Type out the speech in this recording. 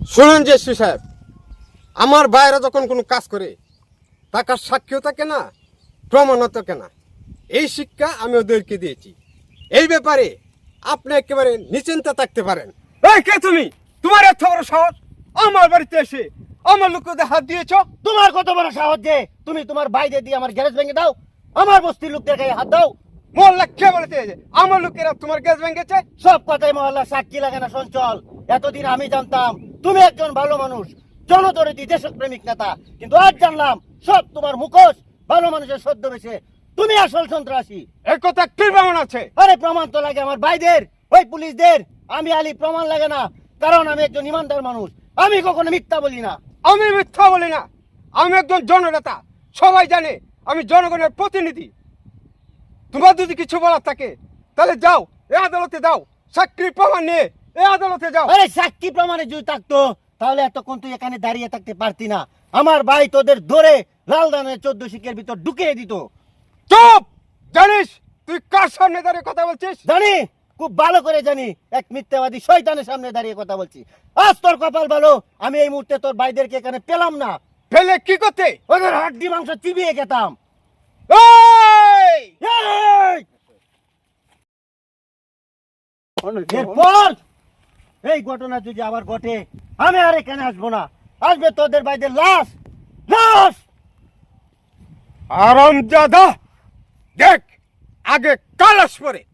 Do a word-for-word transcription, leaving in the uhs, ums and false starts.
শুনুন যে এসপি সাহেব, আমার বাইরে যখন কোনো কাজ করে টাকার সাক্ষীও থাকে না, প্রমাণও থাকে না। এই শিক্ষা আমি ওদেরকে দিয়েছি। এই ব্যাপারে আপনি একেবারে নিশ্চিন্তে থাকতে পারেন। এই কে তুমি? তোমার এত বড় সাহস আমার বাড়িতে এসে আমার লোকদের হাত দিয়েছ? তোমার কত বড় সাহস যে তুমি তোমার বাইরে দিয়ে আমার গ্যারেজ ভেঙে দাও, আমার বস্তির লোকদের গায়ে হাত দাও? মোল্লা কে বলেছে যে আমার লোকেরা তোমার গ্যাস ভেঙেছে? সব কথাই মহল্লা সাক্ষী লাগে না সঞ্চল। এতদিন আমি জানতাম তুমি একজন ভালো মানুষ, জনদরদি দেশপ্রেমিক নেতা, কিন্তু আজ জানলাম সব তোমার মুখোশ। ভালো মানুষের সদ্য বেশে তুমি আসল সন্ত্রাসী। এই কথা কি প্রমাণ আছে? আরে প্রমাণ তো লাগে আমার ভাইদের, ওই পুলিশদের। আমি আলী প্রমাণ লাগে না, কারণ আমি একজন ইমানদার মানুষ। আমি কখনো মিথ্যা বলি না। আমি মিথ্যা বলি না। আমি একজন জননেতা, সবাই জানে আমি জনগণের প্রতিনিধি। তোমার যদি কিছু বলার থাকে তাহলে যাও, এই আদালতে যাও, সাক্ষী প্রমাণ নিয়ে এই আদালতে যাও। আরে সাক্ষী প্রমাণে যদি থাকতো তাহলে এতক্ষণ তুই এখানে দাঁড়িয়ে থাকতে পারতি না। আমার ভাই তোদের ধরে লালদানের চোদ্দ শিখের ভিতর ঢুকিয়ে দিত। চুপ! জানিস তুই কার সামনে দাঁড়িয়ে কথা বলছিস? জানি, খুব ভালো করে জানি। এক মিথ্যাবাদী শয়তানের সামনে দাঁড়িয়ে কথা বলছি। আজ তোর কপাল ভালো, আমি এই মুহূর্তে তোর ভাইদেরকে এখানে পেলাম না। ফেলে কি করতে? ওদের হাড্ডি মাংস চিবিয়ে খেতাম। এই! এই! এরপর এই ঘটনা যদি আবার ঘটে, আমি আর এখানে আসবো না। আসবে তোদের ভাইদের লাশ, লাশ। আরামজাদা, দেখ আগে কালাস পরে